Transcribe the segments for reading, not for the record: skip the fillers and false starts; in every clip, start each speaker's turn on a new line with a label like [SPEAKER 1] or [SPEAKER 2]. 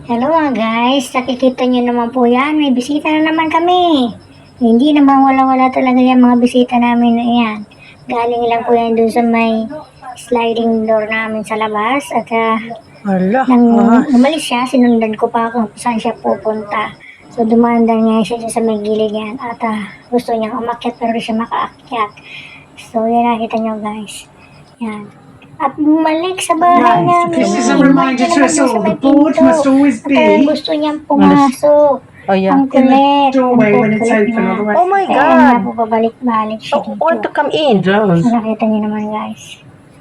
[SPEAKER 1] Hello mga guys, nakikita nyo naman po yan, may bisita na naman kami. Hindi naman wala-wala talaga yung mga bisita namin na yan. Galing lang po yan dun sa may sliding door namin sa labas at nang umalis siya, sinundan ko pa kung saan siya pupunta. So dumandan nga siya sa may gilid yan at gusto niyang umakyat pero siya makaakyat. So yan nakita nyo guys. Yan. At bumalik sa bahay namin.
[SPEAKER 2] This is a reminder to us all. The board must always be
[SPEAKER 1] gusto niyang pumasok.
[SPEAKER 3] Oh yeah.
[SPEAKER 1] Ang kulit.
[SPEAKER 2] doorway
[SPEAKER 1] Ang
[SPEAKER 2] when it's
[SPEAKER 1] kulit
[SPEAKER 2] open.
[SPEAKER 1] niya.
[SPEAKER 2] Otherwise,
[SPEAKER 3] Oh my
[SPEAKER 1] Kaya
[SPEAKER 3] God.
[SPEAKER 1] nga po pabalik-balik siya
[SPEAKER 3] Oh, want to come in.
[SPEAKER 2] it does.
[SPEAKER 1] So, nakita niyo naman guys.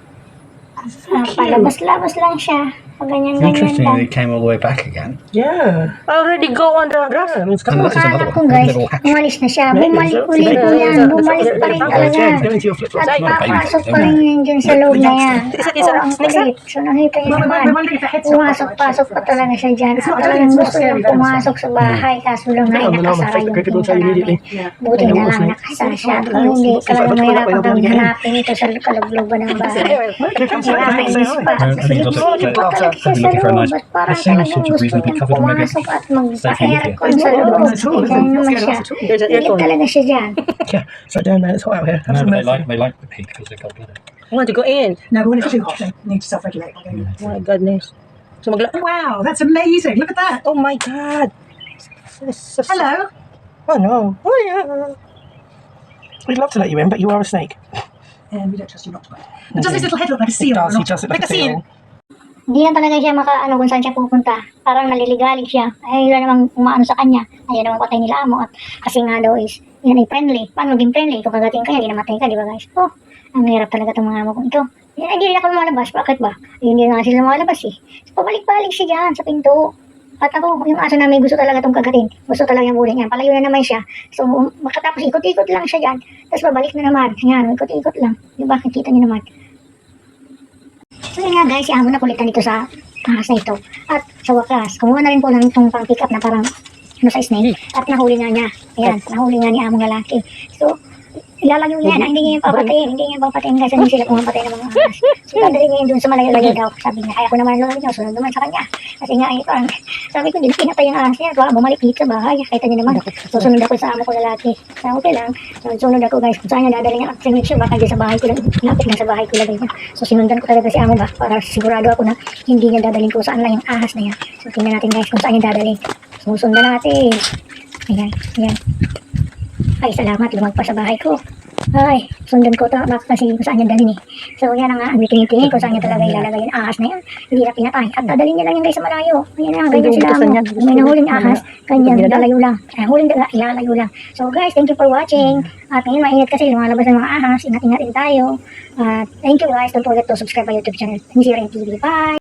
[SPEAKER 1] Palabas-labas lang siya. Pag ganyan-ganyan
[SPEAKER 4] Interesting
[SPEAKER 1] lang.
[SPEAKER 4] that it came all the way back again.
[SPEAKER 2] Yeah.
[SPEAKER 3] Already go on the grass.
[SPEAKER 4] Unless it's
[SPEAKER 1] Akala
[SPEAKER 4] another
[SPEAKER 1] ko
[SPEAKER 4] one.
[SPEAKER 1] guys,
[SPEAKER 4] Little hatch.
[SPEAKER 1] umalis na siya.
[SPEAKER 3] Maybe
[SPEAKER 1] Bumalik
[SPEAKER 3] so.
[SPEAKER 1] ulit po yan. Bumalik pa rin talaga.
[SPEAKER 4] Go into your flip-flops.
[SPEAKER 1] At
[SPEAKER 4] It's not a baby
[SPEAKER 1] papasok
[SPEAKER 4] thing,
[SPEAKER 1] pa rin yan dyan sa loob na yan.
[SPEAKER 3] Isa,
[SPEAKER 1] Oo, ang kulit. So nakita niyo naman.
[SPEAKER 2] We're wondering if the head's not
[SPEAKER 1] Pumasok-pasok pa talaga siya dyan. At talagang gusto niyang pumasok sa bahay. Kaso lang na nakasara yung pinto namin. Buti na lang nakasara siya. Kung hindi, talagang mahirapan kami hanapin ito sa kalugluban ng bahay. Nakakainis pa.
[SPEAKER 4] I think it's also
[SPEAKER 1] Hindi pa talaga siya sa
[SPEAKER 4] looking for a
[SPEAKER 1] loob.
[SPEAKER 4] nice.
[SPEAKER 1] At parang
[SPEAKER 4] As soon as
[SPEAKER 1] talagang
[SPEAKER 4] it's
[SPEAKER 1] gusto
[SPEAKER 4] reasonably
[SPEAKER 1] niyang
[SPEAKER 4] covered, maybe
[SPEAKER 1] pumasok at
[SPEAKER 4] stay for a week.
[SPEAKER 1] magpa-aircon sa loob. Ganyan naman siya.
[SPEAKER 3] There's an
[SPEAKER 1] Pilit
[SPEAKER 3] aircon.
[SPEAKER 1] talaga siya dyan.
[SPEAKER 2] Yeah. So down there, it's hot out here. Have
[SPEAKER 4] No,
[SPEAKER 2] some
[SPEAKER 4] but
[SPEAKER 2] mercy.
[SPEAKER 4] they like the heat because they're cold-blooded.
[SPEAKER 3] I want to go in.
[SPEAKER 2] No, but when it's too hot, they need to self-regulate.
[SPEAKER 3] Oh my goodness. So
[SPEAKER 2] Wow, that's amazing. Look at that.
[SPEAKER 3] oh my God. This is-
[SPEAKER 2] Hello.
[SPEAKER 3] Oh no. Oh yeah.
[SPEAKER 2] We'd love to let you in, but you are a snake. And we don't trust you not to. But does this little head look like a seal?
[SPEAKER 5] does,
[SPEAKER 2] or
[SPEAKER 5] he
[SPEAKER 2] not?
[SPEAKER 5] does look like a seal.
[SPEAKER 1] Hindi na talaga siya makaano kung saan siya pupunta. Parang naliligalig siya. Ay, wala namang umaano sa kanya. Ayaw namang patay nila amo. At kasi nga daw is, yan ay friendly. Paano maging friendly? Kung kagating ka, hindi namatay ka, di ba guys? Oh, ang hirap talaga itong mga amo kong ito. Yan, hindi rin ako lumalabas. Bakit ba? Ay, hindi na nga sila lumalabas eh. So, pabalik-balik siya dyan sa pinto. At ako, yung aso namin gusto talaga itong kagatin. Gusto talaga yung bulin yan. Palayo na naman siya. So, makatapos ikot-ikot lang siya dyan. Tapos babalik na naman. Yan, ikot-ikot lang. Di ba? Nakita niyo naman. So yun nga guys, si amo na kulitan dito sa ahas na ito. At sa wakas, kumuha na rin po ng itong pang pick up na parang ano sa snake. At nahuli nga niya. Ayan, nahuli nga ni among lalaki. So, ilalayo niya na hindi niya yung papatayin. Hindi niya yung papatayin kasi hindi sila pumapatay ng mga ahas. So, dadalhin niya yun dun sa malayo-layo daw. Sabi niya, kaya ko naman ang lolo niya, sunod naman sa kanya. Kasi nga, parang, sabi ko, hindi pinatay yung ahas niya. So, bumalik dito sa bahay. Kita niyo naman. Susunod ako sa amo ko lalaki. So, okay lang. Sunod ako guys. Kung saan niya dadalhin niya. At make sure baka dyan sa bahay ko lang. Lapit lang sa bahay ko lagay niya. So, sinundan ko talaga si amo ba? Para sigurado ako na hindi niya dadalhin ko saan lang yung ahas na yan. So, tingnan natin guys kung saan niya dadalhin. So, sundan natin. Ayan, ayan. Ay, salamat. Lumagpas sa bahay ko. Ay, sundan ko ito. Bakit kasi kung saan niya dalhin eh. So, yan na nga. Ang tingin kung saan niya talaga ilalagay yung ahas na yan. Hindi na pinatay. At dadalhin niya lang yan guys sa malayo. Ayan na, ganyan sila mo. May nahuling ahas. Ganyan, ilalayo lang. Huling ilalayo lang. So, guys, thank you for watching. At ngayon, mainit kasi lumalabas ng mga ahas. Ingat-ingat din tayo. At thank you guys. Don't forget to subscribe my YouTube channel. NCRN TV. Bye!